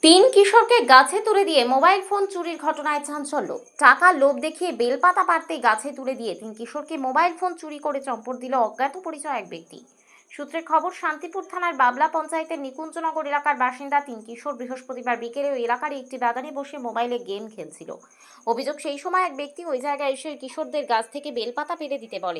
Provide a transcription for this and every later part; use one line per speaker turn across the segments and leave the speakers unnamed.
তিন কিশোরকে গাছে তুলে দিয়ে মোবাইল ফোন চুরির ঘটনায় চাঞ্চল্য। টাকা লোভ দেখিয়ে বেলপাতা পাড়তে গাছে তুলে দিয়ে তিন কিশোরকে মোবাইল ফোন চুরি করে চম্পট দিল অজ্ঞাত পরিচয় এক ব্যক্তি। সূত্রের খবর, শান্তিপুর থানার বাবলা পঞ্চায়েতের নিকুঞ্জনগর এলাকার বাসিন্দা তিন কিশোর বৃহস্পতিবার বিকেলে ওই এলাকার একটি বাগানে বসে মোবাইলে গেম খেলছিল। অভিযোগ, সেই সময় এক ব্যক্তি ওই জায়গায় এসে কিশোরদের গাছ থেকে বেলপাতা পেড়ে দিতে বলে।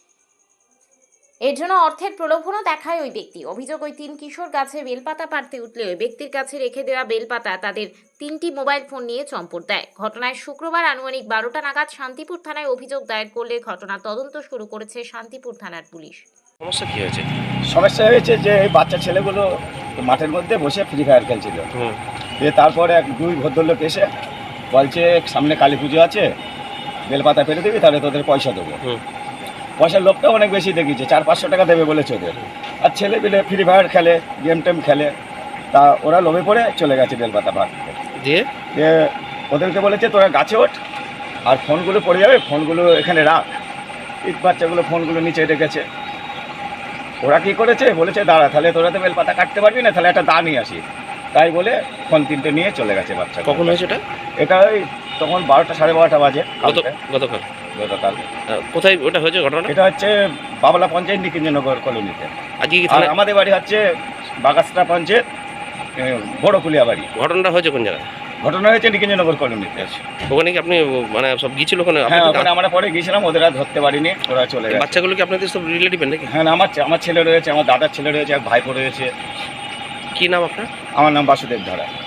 এর জন্য অর্থের প্রলোভনও দেখায় ওই ব্যক্তি। অভিযোগ, ওই তিন কিশোর গাছে বেলপাতা পাড়তে উঠলে ওই ব্যক্তির কাছে রেখে দেওয়া বেলপাতা তাদের তিনটি মোবাইল ফোন নিয়ে চম্পট দেয়। ঘটনায় শুক্রবার আনুমানিক 12টা নাগাদ শান্তিপুর থানায় অভিযোগ দায়ের করলে ঘটনার তদন্ত শুরু করেছে শান্তিপুর থানার পুলিশ।
সমস্যা কি হয়েছে?
সমস্যা হয়েছে যে এই বাচ্চা ছেলেগুলো মাঠের মধ্যে বসে ফ্রি ফায়ার খেলছিল। তারপরে দুই ভদ্রলোক এসে বলছে সামনে কালী পুজো আছে, বেলপাতা পেরে দিবি, তাহলে তোদের পয়সা দেবো। পয়সার লোকটা অনেক বেশি দেখিয়েছে, 400-500 টাকা দেবে বলেছে ওদের। আর ছেলে পেলে ফ্রি ফায়ার খেলে, গেম টেম খেলে, তা ওরা লোভে পড়ে চলে গেছে বেলপাতা পাড়তে। দিয়ে ওদেরকে বলেছে তোরা গাছে ওঠ, আর ফোনগুলো পড়ে যাবে, ফোনগুলো এখানে রাখ। এই বাচ্চাগুলো ফোনগুলো নিচে রেখেছে। ওরা কী করেছে, বলেছে দাঁড়া, তাহলে তোরা তো বেলপাতা কাটতে পারবি না, তাহলে একটা দা নিয়ে আসি। তাই বলে ফোন তিনটে নিয়ে চলে গেছে বাচ্চা।
কখন হয়েছে এটা?
এটা ওই তখন 12টা 12:30 বাজে
গতকাল।
কোথায়
ওটা হয়েছে ঘটনা?
এটা হচ্ছে বাবলা পঞ্চায়েত নিকুঞ্জনগর কলোনিতে।
আজকে
আর আমাদের বাড়ি হচ্ছে বাগাসরা পঞ্চায়েত বড়কুলিয়া বাড়ি।
ঘটনাটা হয়েছে কোন জায়গায়?
ঘটনা হয়েছে নিকুঞ্জনগর কলোনিতে।
ওখানে কি আপনি মানে সব গিয়েছিল ওখানে?
হ্যাঁ, ওখানে আমরা পরে গিয়েছিলাম, ওদের আর ধরতে পারিনি, ওরা চলে গেছে।
বাচ্চাগুলো কি আপনাদের সব রিলেটিভ নাকি?
হ্যাঁ, আমার ছেলে রয়েছে, আমার দাদার ছেলে রয়েছে, এক ভাইপো রয়েছে।
কি নাম আপনার?
আমার নাম বাসুদেব ধারা।